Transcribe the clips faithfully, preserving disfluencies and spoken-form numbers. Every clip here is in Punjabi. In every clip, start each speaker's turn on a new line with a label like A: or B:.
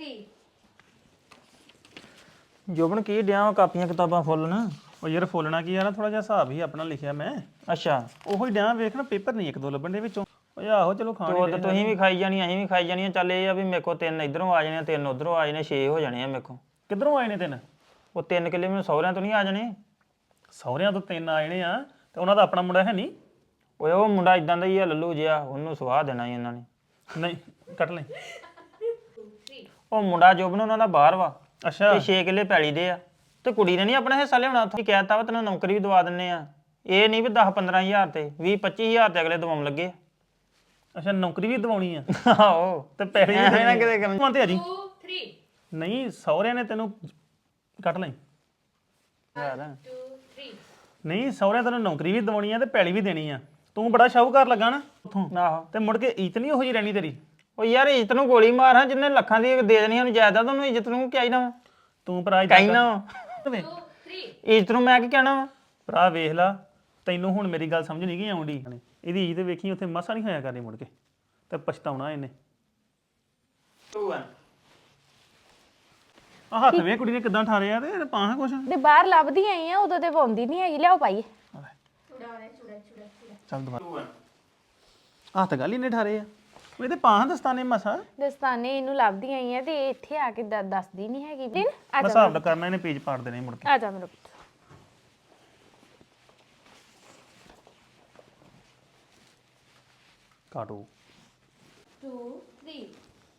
A: ਜੋਬਨ ਕੀ ਡਿਆ ਕਾਪੀਆਂ ਕਿਤਾਬਾਂ ਫੁੱਲਣ
B: ਉਹ ਯਾਰ ਫੋਲਣਾ ਕੀ ਆ ਨਾ ਥੋੜਾ ਜਿਹਾ ਹਿਸਾਬ ਹੀ ਆਪਣਾ ਲਿਖਿਆ ਮੈਂ
A: ਅੱਛਾ
B: ਉਹੋ ਹੀ ਡਿਆ ਵੇਖ ਨਾ ਪੇਪਰ ਨਹੀਂ ਇੱਕ ਦੋ ਲੱਭਣ ਦੇ ਵਿੱਚੋਂ ਓਏ ਆਹੋ ਚਲੋ ਖਾਣ
A: ਉਹ ਤਾਂ ਤੁਸੀਂ ਵੀ ਖਾਈ ਜਾਣੀ ਅਸੀਂ ਵੀ ਖਾਈ ਜਾਣੀ ਚੱਲ ਇਹ ਆ ਵੀ ਮੇਰੇ ਕੋਲ ਤਿੰਨ ਇਧਰੋਂ ਆ ਜਾਣੇ ਤਿੰਨ ਉਧਰੋਂ ਆ ਜਾਣੇ ਛੇ ਹੋ ਜਾਣੇ ਆ ਮੇਰੇ ਕੋਲ
B: ਕਿੱਧਰੋਂ ਆਏ ਨੇ ਤਿੰਨ
A: ਉਹ ਤਿੰਨ ਕਿੱਲੇ ਮੈਨੂੰ ਸਹੁਰਿਆਂ ਤੋਂ ਨਹੀਂ ਆ ਜਾਣੇ
B: ਸਹੁਰਿਆਂ ਤੋਂ ਤਿੰਨ ਆਏ ਨੇ ਆ ਤੇ ਉਹਨਾਂ ਦਾ ਆਪਣਾ ਮੁੰਡਾ ਹੈ ਨਹੀਂ
A: ਓਏ ਉਹ ਮੁੰਡਾ ਇਦਾਂ ਦਾ ਹੀ ਆ ਲੱਲੂ ਜਿਹਾ ਉਹਨੂੰ ਸਵਾਹ ਦੇਣਾ ਹੀ ਇਹਨਾਂ ਨੇ
B: ਨਹੀਂ ਕੱਟ ਲੈ
A: ਉਹ ਮੁੰਡਾ ਜੋਬਨ ਉਹਨਾਂ ਦਾ ਬਾਹਰ ਵਾ
B: ਅੱਛਾ
A: ਤੇ ਛੇ ਕਿੱਲੇ ਪੈਲੀ ਦੇ ਆ ਤੇ ਕੁੜੀ ਨੇ ਨਹੀਂ ਆਪਣਾ ਹਿੱਸਾ ਲਿਆਉਣਾ ਉੱਥੇ ਕਹਿਤਾ ਵਾ ਤੈਨੂੰ ਨੌਕਰੀ ਵੀ ਦਵਾ ਦਿੰਨੇ ਆ ਇਹ ਨਹੀਂ ਵੀ ਦਸ ਪੰਦਰਾਂ ਹਜ਼ਾਰ ਤੇ ਵੀਹ ਪੱਚੀ ਹਜ਼ਾਰ ਤੇ ਅਗਲੇ ਦਵਾਉਣ ਲੱਗੇ
B: ਅੱਛਾ ਨੌਕਰੀ ਵੀ ਦਿਵਾਉਣੀ ਆ
A: ਆਹੋ
B: ਤੇ ਪੈਸੇ
A: ਐਵੇਂ ਨਾ ਕਿਤੇ ਕੰਮ
B: ਮੰਨਦੇ ਆ ਜੀ ਨਹੀਂ ਸਹੁਰਿਆਂ ਨੇ ਤੈਨੂੰ ਕੱਟ ਲੈ ਨਹੀਂ ਸਹੁਰਿਆਂ ਤੈਨੂੰ ਨੌਕਰੀ ਵੀ ਦਿਵਾਉਣੀ ਆ ਤੇ ਪੈਲੀ ਵੀ ਦੇਣੀ ਆ ਤੂੰ ਬੜਾ ਸ਼ਾਹੂਕਾਰ ਲੱਗਾ ਨਾ ਉੱਥੋਂ
A: ਆਹੋ
B: ਤੇ ਮੁੜ ਕੇ ਇੱਜ਼ਤ ਨਹੀਂ ਉਹੋ ਜਿਹੀ ਰਹਿਣੀ ਤੇਰੀ
A: ਉਹ ਯਾਰ ਇੱਜ਼ਤ ਨੂੰ ਗੋਲੀ ਮਾਰ ਹਾਂ ਜਿੰਨੇ ਲੱਖਾਂ ਦੀ ਦੇ ਦੇਣੀ ਉਹਨੂੰ ਜਾਇਦਾਦ ਉਹਨੂੰ ਇੱਜ਼ਤ ਨੂੰ ਕੀ ਆਈਦਾ ਵਾ
B: ਤੂੰ ਭਰਾ
A: ਕਹਿਣਾ ਵਾ
B: ਵਾ
A: ਇੱਜ਼ਤ ਨੂੰ ਮੈਂ ਕੀ ਕਹਿਣਾ ਵਾ
B: ਭਰਾ ਵੇਖ ਲਾ ਤੈਨੂੰ ਹੁਣ ਮੇਰੀ ਗੱਲ ਸਮਝ ਨਹੀਂ ਗਈ ਆਉਂਦੀ ਇਹਦੀ ਇੱਜ਼ਤ ਵੇਖੀ ਉੱਥੇ ਮਸਾ ਨਹੀਂ ਹੋਇਆ ਕਰਨੀ ਮੁੜ ਕੇ ਤੇ ਪਛਤਾਉਣਾ ਇਹਨੇ ਆ ਹੱਥ ਵੇ ਕੁੜੀ ਨੇ ਕਿਦਾਂ ਠਾਰਿਆ ਤੇ ਪਾਹਾਂ ਕੁਛ
C: ਤੇ ਬਾਹਰ ਲੱਭਦੀ ਆਈ ਆ ਉਦੋਂ ਤੇ ਪਾਉਂਦੀ ਨਹੀਂ ਹੈਗੀ ਲਿਆਓ ਪਾਈਏ
B: ਚੱਲ ਦੁਬਾਰਾ ਹੱਥ ਗੱਲ ਹੀ ਨੇ ਠਾਰੇ ਆ ਉਹ ਤੇ ਪਾਹਾਂ ਦਸਤਾਨੇ ਮਸਾ
C: ਦਸਤਾਨੇ ਇਹਨੂੰ ਲੱਭਦੀ ਆਈ ਆ ਤੇ ਇੱਥੇ ਆ ਕੇ ਦ- ਦੱਸਦੀ ਨਹੀਂ ਹੈਗੀ ਦਿਨ ਆ
B: ਬਸ ਹਿਸਾਬ ਕਰਨਾ ਇਹਨੇ ਪੇਜ ਪਾੜ ਦੇਣੇ ਮੁੜ ਕੇ
C: ਆ ਜਾ ਮੇਰੇ ਪੁੱਤ
B: ਕਾਟੋ
C: ਦੋ ਤਿੰਨ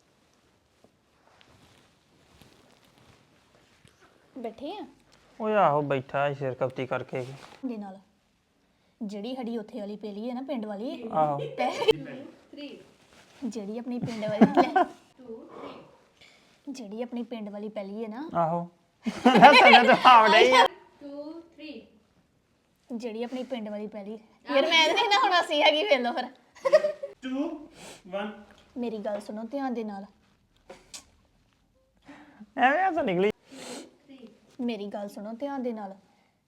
C: ਬੈਠੇ ਆ
A: ਓਏ ਆਹੋ ਬੈਠਾ ਸਿਰ ਕਪਤੀ ਕਰਕੇ
D: ਦੇ ਨਾਲ ਜਿਹੜੀ ਸਾਡੀ ਉੱਥੇ ਵਾਲੀ ਪੇਲੀ ਹੈ ਨਾ ਪਿੰਡ ਵਾਲੀ
A: ਆਹੋ
D: ਜਿਹੜੀ ਆਪਣੀ ਪਿੰਡ ਵਾਲੀ ਜਿਹੜੀ ਆਪਣੀ ਪਿੰਡ ਵਾਲੀ ਪੈਲੀ ਹੈ ਨਾ
A: ਆਹੋ ਸਨੇ ਤਾਂ ਆਵੜੇ ਹੀ ਆ
D: ਜਿਹੜੀ ਆਪਣੀ ਪਿੰਡ ਵਾਲੀ ਪੈਲੀ ਯਾਰ ਮੈਂ ਨਹੀਂ ਨਾ ਹੁਣ ਅਸੀਂ ਹੈਗੀ ਵੇਖ ਲਓ ਫਿਰ
B: ਦੋ ਇੱਕ
D: ਮੇਰੀ ਗੱਲ ਸੁਣੋ ਧਿਆਨ ਦੇ ਨਾਲ
A: ਐਵੇਂ ਆ ਤਾਂ ਨਿਕਲੀ
D: ਮੇਰੀ ਗੱਲ ਸੁਣੋ ਧਿਆਨ ਦੇ ਨਾਲ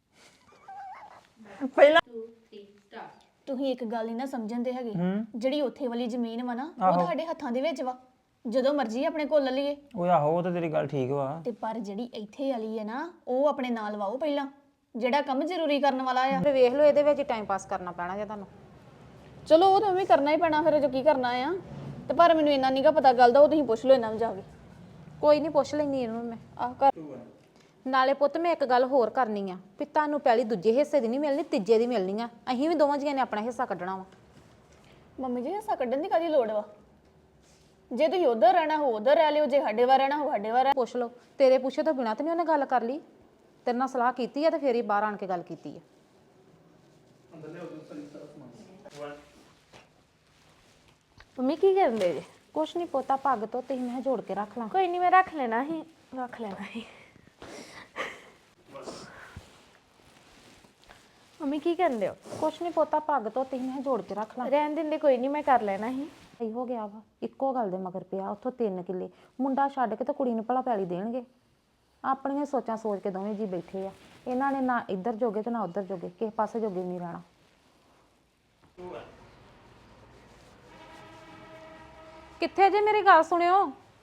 A: ਪਹਿਲਾਂ
D: ਤੁਸੀਂ ਇੱਕ ਗੱਲ ਨਹੀਂ ਨਾ ਸਮਝਣ ਦੇ ਹੈਗੇ
A: ਹੂੰ
D: ਜਿਹੜੀ ਉੱਥੇ ਵਾਲੀ ਜ਼ਮੀਨ ਵਾ ਨਾ
A: ਆਹੋ।
D: ਉਹ ਤੁਹਾਡੇ ਹੱਥਾਂ ਦੇ ਵਿੱਚ ਵਾ ਜਦੋਂ ਮਰਜ਼ੀ ਆਪਣੇ ਕੋਲ ਲੈ ਲਈਏ
A: ਓਏ ਆਹੋ ਉਹ ਤਾਂ ਤੇਰੀ ਗੱਲ ਠੀਕ ਵਾ
D: ਤੇ ਪਰ ਜਿਹੜੀ ਇੱਥੇ ਵਾਲੀ ਹੈ ਨਾ ਉਹ ਆਪਣੇ ਨਾਲ ਵਾਓ ਪਹਿਲਾਂ ਜਿਹੜਾ ਕੰਮ ਜ਼ਰੂਰੀ ਕਰਨ ਵਾਲਾ ਆ
C: ਤੇ ਵੇਖ ਲਓ ਇਹਦੇ ਵਿੱਚ ਟਾਈਮ ਪਾਸ ਕਰਨਾ ਪੈਣਾ ਜੇ ਤੁਹਾਨੂੰ
D: ਚਲੋ ਉਹ ਤਾਂ ਵੀ ਕਰਨਾ ਹੀ ਪੈਣਾ ਫਿਰ ਜੋ ਕੀ ਕਰਨਾ ਆ ਤੇ ਪਰ ਮੈਨੂੰ ਇੰਨਾ ਨਹੀਂਗਾ ਪਤਾ ਗੱਲ ਦਾ ਉਹ ਤੁਸੀਂ ਪੁੱਛ ਲਓ ਇਹਨਾਂ ਨੂੰ ਜਾ ਕੇ
C: ਕੋਈ ਨਹੀਂ ਪੁੱਛ ਲੈਣੀ ਇਹਨੂੰ ਮੈਂ
D: ਆਹ ਕਰ
C: ਨਾਲੇ ਪੁੱਤ ਮੈਂ ਇੱਕ ਗੱਲ ਹੋਰ ਕਰਨੀ ਆ ਵੀ ਤੁਹਾਨੂੰ ਪਹਿਲੀ ਦੂਜੇ ਹਿੱਸੇ ਦੀ ਨਹੀਂ ਮਿਲਣੀ ਤੀਜੇ ਦੀ ਮਿਲਣੀ ਆ ਅਸੀਂ ਵੀ ਦੋਵਾਂ ਜੀਆਂ ਨੇ ਆਪਣਾ ਹਿੱਸਾ ਕੱਢਣਾ ਵਾ
D: ਮੰਮੀ ਜੀ ਹਿੱਸਾ ਕੱਢਣ ਦੀ ਕਾਹਦੀ ਲੋੜ ਵਾ ਜੇ ਤੁਸੀਂ ਉਧਰ ਰਹਿਣਾ ਹੋ ਉਧਰ ਰਹਿ ਲਿਓ ਜੇ ਸਾਡੇ ਵਾਰ ਰਹਿਣਾ ਹੋ ਸਾਡੇ ਵਾਰ
C: ਪੁੱਛ ਲਓ ਤੇਰੇ ਪੁੱਛੇ ਤੋਂ ਬਿਨਾਂ ਤੇ ਨਹੀਂ ਉਹਨੇ ਗੱਲ ਕਰ ਲਈ ਤੇਰੇ ਨਾਲ ਸਲਾਹ ਕੀਤੀ ਆ ਤੇ ਫੇਰ ਹੀ ਬਾਹਰ ਆਣ ਕੇ ਗੱਲ ਕੀਤੀ ਆ ਮੰਮੀ ਕੀ ਕਰਦੇ ਜੇ
D: ਕੁਛ ਨਹੀਂ ਪੋਤਾ ਪੱਗ ਤੋਂ ਤੇ ਮੈਂ ਜੋੜ ਕੇ ਰੱਖ ਲਾਂ
C: ਕੋਈ ਨਹੀਂ ਮੈਂ ਰੱਖ ਲੈਣਾ ਸੀ ਰੱਖ ਲੈਣਾ ਸੀ ਮੰਮੀ ਕੀ ਕਰਦੇ ਹੋ
D: ਕੁਛ ਨਹੀਂ ਪੋਤਾ ਪੱਗ ਤੋਂ ਤੇ ਮੈਂ ਜੋੜ ਕੇ ਰੱਖ ਲਾਂ
C: ਰਹਿਣ ਦਿੰਦੇ ਕੋਈ ਨਹੀਂ ਮੈਂ ਕਰ ਲੈਣਾ ਸੀ
D: ਸਹੀ ਹੋ ਗਿਆ ਵਾ ਇੱਕੋ ਗੱਲ ਦੇ ਮਗਰ ਪਿਆ ਉੱਥੋਂ ਤਿੰਨ ਕਿੱਲੇ ਮੁੰਡਾ ਛੱਡ ਕੇ ਤੇ ਕੁੜੀ ਨੂੰ ਭਲਾ ਪੈਲੀ ਦੇਣਗੇ ਆਪਣੀਆਂ ਸੋਚਾਂ ਸੋਚ ਕੇ ਦੋਵੇਂ ਜੀ ਬੈਠੇ ਆ ਇਹਨਾਂ ਨੇ ਨਾ ਇੱਧਰ ਜੋਗੇ ਤੇ ਨਾ ਉੱਧਰ ਜੋਗੇ ਕਿਸੇ ਪਾਸੇ ਜੋਗੇ ਨਹੀਂ ਰਹਿਣਾ
C: ਕਿੱਥੇ ਜੇ ਮੇਰੀ ਗੱਲ ਸੁਣਿਓ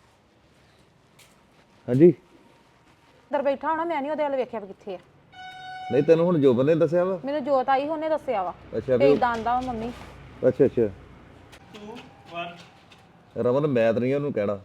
E: ਹਾਂਜੀ
C: ਅੰਦਰ ਬੈਠਾ ਹੋਣਾ ਮੈਂ ਨਹੀਂ ਉਹਦੇ ਵੱਲ ਵੇਖਿਆ ਵੀ ਕਿੱਥੇ ਆ
E: ਨਹੀਂ ਤੈਨੂੰ ਹੁਣ ਜੋਬਨ ਨੇ ਦੱਸਿਆ ਵਾ
C: ਮੈਨੂੰ ਜੋਤ ਆਈ ਉਹਨੇ ਦੱਸਿਆ ਵਾ
E: ਅੱਛਾ
C: ਤੇ
E: ਵੀ
C: ਇਦਾਂ ਦਾ ਵਾ ਮੰਮੀ
E: ਅੱਛਾ ਅੱਛਾ
B: ਦੋ ਇੱਕ
E: ਰਮਨ ਮੈਂ ਤਾਂ ਨਹੀਂ ਉਹਨੂੰ ਕਹਿਣਾ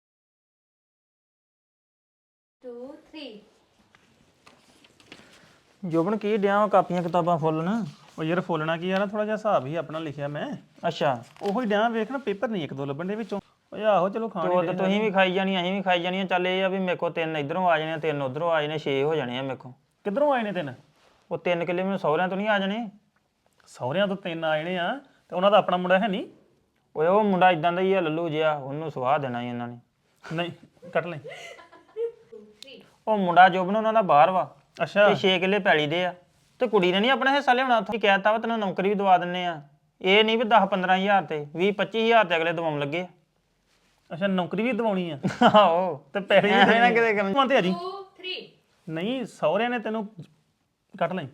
A: ਜੋਬਨ ਕੀ ਡਿਆ ਕਾਪੀਆਂ ਕਿਤਾਬਾਂ ਫੁੱਲਣ
B: ਉਹ ਯਾਰ ਫੋਲਣਾ ਕੀ ਆ ਨਾ ਥੋੜਾ ਜਿਹਾ ਹਿਸਾਬ ਹੀ ਆਪਣਾ ਲਿਖਿਆ ਮੈਂ
A: ਅੱਛਾ
B: ਉਹੋ ਹੀ ਡਿਆ ਵੇਖ ਨਾ ਪੇਪਰ ਨਹੀਂ ਇੱਕ ਦੋ ਲੱਭਣ ਦੇ ਵਿੱਚੋਂ ਓਏ ਆਹੋ ਚਲੋ ਖਾਣ
A: ਉਹ ਤਾਂ ਤੁਸੀਂ ਵੀ ਖਾਈ ਜਾਣੀ ਅਸੀਂ ਵੀ ਖਾਈ ਜਾਣੀ ਚੱਲ ਇਹ ਆ ਵੀ ਮੇਰੇ ਕੋਲ ਤਿੰਨ ਇਧਰੋਂ ਆ ਜਾਣੇ ਤਿੰਨ ਉਧਰੋਂ ਆ ਜਾਣੇ ਛੇ ਹੋ ਜਾਣੇ ਆ ਮੇਰੇ ਕੋਲ
B: ਕਿੱਧਰੋਂ ਆਏ ਨੇ ਤਿੰਨ
A: ਉਹ ਤਿੰਨ ਕਿੱਲੇ ਮੈਨੂੰ ਸਹੁਰਿਆਂ ਤੋਂ ਨਹੀਂ ਆ ਜਾਣੇ
B: ਸਹੁਰਿਆਂ ਤੋਂ ਤਿੰਨ ਆਏ ਨੇ ਆ ਤੇ ਉਹਨਾਂ ਦਾ ਆਪਣਾ ਮੁੰਡਾ ਹੈ ਨਹੀਂ
A: ਓਏ ਉਹ ਮੁੰਡਾ ਇਦਾਂ ਦਾ ਹੀ ਆ ਲੱਲੂ ਜਿਹਾ ਉਹਨੂੰ ਸਵਾਹ ਦੇਣਾ ਹੀ ਇਹਨਾਂ ਨੇ
B: ਨਹੀਂ ਕੱਟ ਲੈ
A: ਉਹ ਮੁੰਡਾ ਜੋਬਨ ਉਹਨਾਂ ਦਾ ਬਾਹਰ ਵਾ
B: ਅੱਛਾ
A: ਤੇ ਛੇ ਕਿੱਲੇ ਪੈਲੀ ਦੇ ਆ ਤੇ ਕੁੜੀ ਨੇ ਨਹੀਂ ਆਪਣਾ ਹਿੱਸਾ ਲਿਆਉਣਾ ਉੱਥੇ ਕਹਿਤਾ ਵਾ ਤੈਨੂੰ ਨੌਕਰੀ ਵੀ ਦਵਾ ਦਿੰਨੇ ਆ ਇਹ ਨਹੀਂ ਵੀ ਦਸ ਪੰਦਰਾਂ ਹਜ਼ਾਰ ਤੇ ਵੀਹ ਪੱਚੀ ਹਜ਼ਾਰ ਤੇ ਅਗਲੇ ਦਵਾਉਣ ਲੱਗੇ
B: ਅੱਛਾ ਨੌਕਰੀ ਵੀ ਦਿਵਾਉਣੀ ਆ
A: ਆਹੋ
B: ਤੇ ਪੈਸੇ ਵੀ
A: ਐਵੇਂ ਨਾ
B: ਦੇਣੇ।
A: ਕਿਤੇ ਕੰਮ
B: ਮੰਨਦੇ ਆ ਜੀ ਨਹੀਂ ਸਹੁਰਿਆਂ ਨੇ ਤੈਨੂੰ ਕੱਟ ਲੈ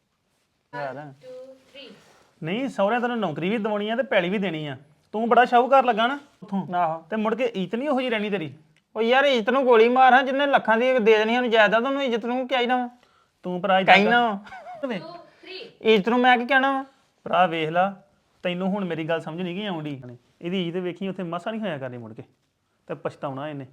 B: ਨਹੀਂ ਸਹੁਰਿਆਂ ਤੈਨੂੰ ਨੌਕਰੀ ਵੀ ਦਿਵਾਉਣੀ ਆ ਤੇ ਪੈਲੀ ਵੀ ਦੇਣੀ ਆ ਤੂੰ ਬੜਾ ਸ਼ਾਹੂਕਾਰ ਲੱਗਾ ਨਾ ਉੱਥੋਂ
A: ਆਹੋ
B: ਤੇ ਮੁੜ ਕੇ ਇੱਜ਼ਤ ਨਹੀਂ ਉਹੋ ਜਿਹੀ ਰਹਿਣੀ ਤੇਰੀ
A: ਉਹ ਯਾਰ ਇੱਜ਼ਤ ਨੂੰ ਗੋਲੀ ਮਾਰ ਹਾਂ ਜਿੰਨੇ ਲੱਖਾਂ ਦੀ ਦੇ ਦੇਣੀ ਸਾਨੂੰ ਜਾਇਦਾਦ ਉਹਨੂੰ ਇੱਜ਼ਤ ਨੂੰ ਕੀ ਆਈਦਾ ਵਾ
B: ਤੂੰ ਭਰਾ ਏਦਾਂ
A: ਕਹਿਣਾ
B: ਕਰ।
A: ਵਾ ਇੱਜ਼ਤ ਨੂੰ ਮੈਂ ਕੀ ਕਹਿਣਾ ਵਾ
B: ਭਰਾ ਵੇਖ ਲਾ ਤੈਨੂੰ ਹੁਣ ਮੇਰੀ ਗੱਲ ਸਮਝ ਨਹੀਂ ਗਈ ਆਉਂਦੀ ਇਹਦੀ ਇੱਜ਼ਤ ਵੇਖੀ ਉੱਥੇ ਮਸਾ ਨਹੀਂ ਹੋਇਆ ਕਰਨੀ ਮੁੜ ਕੇ ਤੇ ਪਛਤਾਉਣਾ ਇਹਨੇ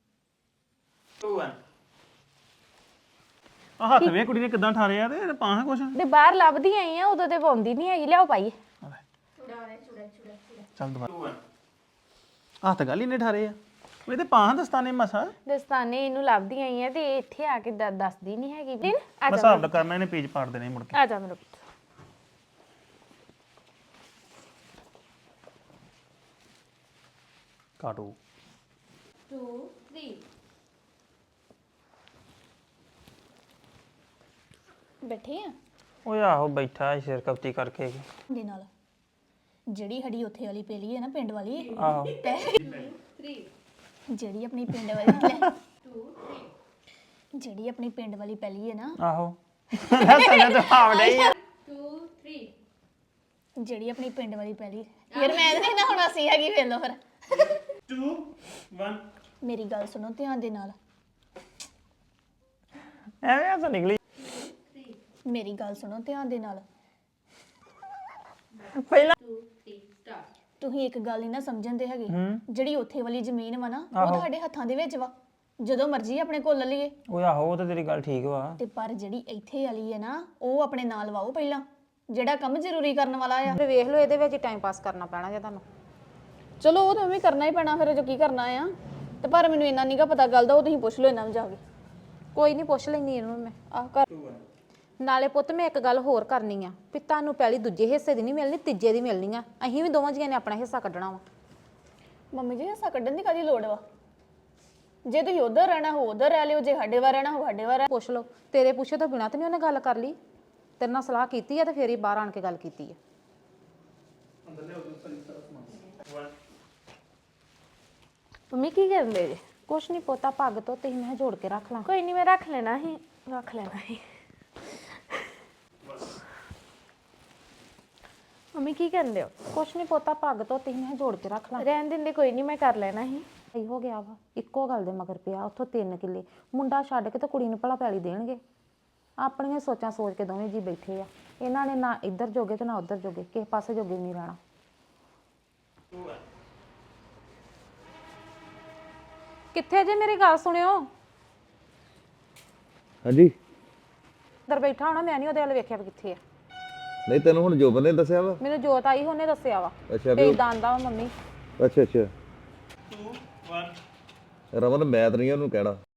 B: ਆ ਹੱਥ ਵੇ ਕੁੜੀ ਨੇ ਕਿਦਾਂ ਠਾਰਿਆ ਤੇ ਪਾਹਾਂ ਕੁਛ
D: ਤੇ ਬਾਹਰ ਲੱਭਦੀ ਆਈ ਆ ਉਦੋਂ ਤੇ ਪਾਉਂਦੀ ਨਹੀਂ ਹੈਗੀ ਲਿਆਓ ਪਾਈਏ
B: ਚੱਲ ਦੁਬਾਰਾ ਹੱਥ ਗੱਲ ਹੀ ਨੇ ਠਾਰੇ ਆ ਉਹ ਤੇ ਪਾਹਾਂ ਦਸਤਾਨੇ ਮਸਾ
D: ਦਸਤਾਨੇ ਇਹਨੂੰ ਲੱਭਦੀ ਆਈ ਆ ਤੇ ਇੱਥੇ ਆ ਕੇ ਦ- ਦੱਸਦੀ ਨਹੀਂ ਹੈਗੀ ਦਿਨ ਆ
B: ਮੈਂ ਹਿਸਾਬ ਦਾ ਕਰਨਾ ਇਹਨੇ ਪੇਜ ਪਾੜ ਦੇਣੇ ਮੁੜ ਕੇ
D: ਆ ਜਾ ਮੇਰੇ ਪੁੱਤ
B: ਕਾਟੋ
F: ਬੈਠੇ ਆ
A: ਓਏ ਆਹੋ ਬੈਠਾ ਸੀ ਸਿਰ ਕਪਤੀ ਕਰਕੇ
F: ਦੇ ਨਾਲ ਜਿਹੜੀ ਸਾਡੀ ਉੱਥੇ ਵਾਲੀ ਪੇਲੀ ਹੈ ਨਾ ਪਿੰਡ ਵਾਲੀ
A: ਆਹੋ
F: ਜਿਹੜੀ ਆਪਣੀ ਪਿੰਡ ਵਾਲੀ ਜਿਹੜੀ ਆਪਣੀ ਪਿੰਡ ਵਾਲੀ ਪੈਲੀ ਹੈ ਨਾ
A: ਆਹੋ ਸਮਝ ਤਾਂ ਆਵੜੇ ਹੀ ਆ
F: ਜਿਹੜੀ ਆਪਣੀ ਪਿੰਡ ਵਾਲੀ ਪੈਲੀ ਯਾਰ ਮੈਂ ਨਹੀਂ ਨਾ ਹੁਣ ਅਸੀਂ ਹੈਗੀ ਵੇਖ ਲਓ ਫਿਰ
B: two one
F: ਮੇਰੀ ਗੱਲ ਸੁਣੋ ਧਿਆਨ ਦੇ ਨਾਲ
A: ਐਵੇਂ ਆ ਤਾਂ ਨਿਕਲੀ
F: ਮੇਰੀ ਗੱਲ ਸੁਣੋ ਧਿਆਨ ਦੇ ਨਾਲ
A: ਪਹਿਲਾਂ
F: ਤੁਸੀਂ ਇੱਕ ਗੱਲ ਨਹੀਂ ਨਾ ਸਮਝਣ ਦੇ ਹੈਗੇ ਜਿਹੜੀ ਉੱਥੇ ਵਾਲੀ ਜ਼ਮੀਨ ਵਾ ਨਾ ਉਹ ਤੁਹਾਡੇ ਹੱਥਾਂ ਦੇ ਵਿੱਚ ਵਾ ਜਦੋਂ ਮਰਜ਼ੀ ਆਪਣੇ ਕੋਲ ਲੈ ਲਈਏ
A: ਓਏ ਆਹੋ ਉਹ ਤਾਂ ਤੇਰੀ ਗੱਲ ਠੀਕ ਵਾ
F: ਤੇ ਪਰ ਜਿਹੜੀ ਇੱਥੇ ਵਾਲੀ ਹੈ ਨਾ ਉਹ ਆਪਣੇ ਨਾਲ ਵਾਓ ਪਹਿਲਾਂ ਜਿਹੜਾ ਕੰਮ ਜ਼ਰੂਰੀ ਕਰਨ ਵਾਲਾ ਆ
C: ਤੇ ਵੇਖ ਲਓ ਇਹਦੇ ਵਿੱਚ ਟਾਈਮ ਪਾਸ ਕਰਨਾ ਪੈਣਾ ਜੇ ਤੁਹਾਨੂੰ
F: ਚਲੋ ਉਹ ਤਾਂ ਵੀ ਕਰਨਾ ਹੀ ਪੈਣਾ ਫਿਰ ਜੋ ਕੀ ਕਰਨਾ ਆ ਤੇ ਪਰ ਮੈਨੂੰ ਇੰਨਾ ਨਹੀਂਗਾ ਪਤਾ ਗੱਲ ਦਾ ਉਹ ਤੁਸੀਂ ਪੁੱਛ ਲਓ ਇਹਨਾਂ ਨੂੰ ਜਾ ਕੇ
C: ਕੋਈ ਨਹੀਂ ਪੁੱਛ ਲੈਂਦੀ ਇਹਨੂੰ ਮੈਂ
F: ਆਹ ਕਰ
C: ਨਾਲੇ ਪੁੱਤ ਮੈਂ ਇੱਕ ਗੱਲ ਹੋਰ ਕਰਨੀ ਆ ਵੀ ਤੁਹਾਨੂੰ ਪਹਿਲੀ ਦੂਜੇ ਹਿੱਸੇ ਦੀ ਨਹੀਂ ਮਿਲਣੀ ਤੀਜੇ ਦੀ ਮਿਲਣੀ ਆ ਅਸੀਂ ਵੀ ਦੋਵਾਂ ਜੀਆਂ ਨੇ ਆਪਣਾ ਹਿੱਸਾ ਕੱਢਣਾ ਵਾ
F: ਮੰਮੀ ਜੀ ਹਿੱਸਾ ਕੱਢਣ ਦੀ ਕਾਹਦੀ ਲੋੜ ਵਾ ਜੇ ਤੁਸੀਂ ਉਧਰ ਰਹਿਣਾ ਹੋ ਉਧਰ ਰਹਿ ਲਿਓ ਜੇ ਸਾਡੇ ਵਾਰ ਰਹਿਣਾ ਹੋ ਸਾਡੇ ਵਾਰ
C: ਪੁੱਛ ਲਓ ਤੇਰੇ ਪੁੱਛੇ ਤੋਂ ਬਿਨਾਂ ਤੇ ਨਹੀਂ ਉਹਨੇ ਗੱਲ ਕਰ ਲਈ ਤੇਰੇ ਨਾਲ ਸਲਾਹ ਕੀਤੀ ਆ ਤੇ ਫੇਰ ਹੀ ਬਾਹਰ ਆਣ ਕੇ ਗੱਲ ਕੀਤੀ ਆ
D: ਮੰਮੀ ਕੀ ਕਰਦੇ ਜੇ
C: ਕੁਛ ਨਹੀਂ ਪੋਤਾ ਪੱਗ ਤੋਂ ਤੇ ਮੈਂ ਜੋੜ ਕੇ ਰੱਖ ਲਾਂ
D: ਕੋਈ ਨਹੀਂ ਮੈਂ ਰੱਖ ਲੈਣਾ ਸੀ ਰੱਖ ਲੈਣਾ ਸੀ ਮੰਮੀ ਕੀ ਕਰਦੇ ਹੋ
C: ਕੁਛ ਨਹੀਂ ਪੋਤਾ ਪੱਗ ਤੋਂ ਤੇ ਮੈਂ ਜੋੜ ਕੇ ਰੱਖ ਲਾਂ
D: ਰਹਿਣ ਦਿੰਦੇ ਕੋਈ ਨਹੀਂ ਮੈਂ ਕਰ ਲੈਣਾ ਸੀ
C: ਸਹੀ ਹੋ ਗਿਆ ਵਾ ਇੱਕੋ ਗੱਲ ਦੇ ਮਗਰ ਪਿਆ ਉੱਥੋਂ ਤਿੰਨ ਕਿੱਲੇ ਮੁੰਡਾ ਛੱਡ ਕੇ ਤੇ ਕੁੜੀ ਨੂੰ ਭਲਾ ਪੈਲੀ ਦੇਣਗੇ ਆਪਣੀਆਂ ਸੋਚਾਂ ਸੋਚ ਕੇ ਦੋਵੇਂ ਜੀ ਬੈਠੇ ਆ ਇਹਨਾਂ ਨੇ ਨਾ ਇੱਧਰ ਜੋਗੇ ਤੇ ਨਾ ਉੱਧਰ ਜੋਗੇ ਕਿਸੇ ਪਾਸੇ ਜੋਗੇ ਨਹੀਂ ਰਹਿਣਾ ਕਿੱਥੇ ਜੇ ਮੇਰੀ ਗੱਲ ਸੁਣਿਓ
E: ਹਾਂਜੀ
C: ਅੰਦਰ ਬੈਠਾ ਹੋਣਾ ਮੈਂ ਨਹੀਂ ਉਹਦੇ ਵੱਲ ਵੇਖਿਆ ਵੀ ਕਿੱਥੇ ਆ
E: ਨਹੀਂ ਤੈਨੂੰ ਹੁਣ ਜੋਬਨ ਨੇ ਦੱਸਿਆ ਵਾ
C: ਮੈਨੂੰ ਜੋਤ ਆਈ ਉਹਨੇ ਦੱਸਿਆ ਵਾ
E: ਅੱਛਾ
C: ਤੇ
E: ਵੀ
C: ਇਦਾਂ ਦਾ ਮੰਮੀ
E: ਅੱਛਾ ਅੱਛਾ
B: two one
E: ਰਮਨ ਮੈਂ ਤਾਂ ਨਹੀਂ ਉਹਨੂੰ ਕਹਿਣਾ